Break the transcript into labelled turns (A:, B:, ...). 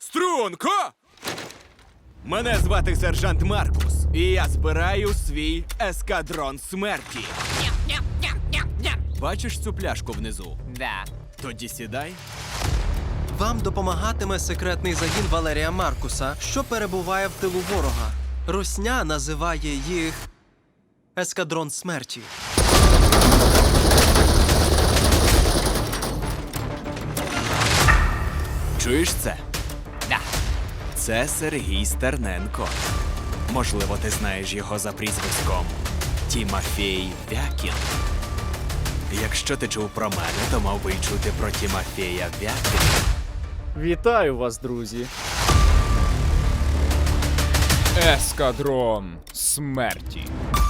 A: Струнко! Мене звати сержант Маркус, і я збираю свій ескадрон смерті. Бачиш цю пляшку внизу?
B: Да.
A: Тоді сідай.
C: Вам допомагатиме секретний загін Валерія Маркуса, що перебуває в тилу ворога. Русня називає їх ескадрон смерті.
A: Чуєш це?
B: Да.
A: Це Сергій Стерненко. Можливо, ти знаєш його за прізвиськом Тімофій Вякін. Якщо ти чув про мене, то мав би й чути про Тімофія Вякіна.
D: Вітаю вас, друзі.
E: Ескадрон смерті.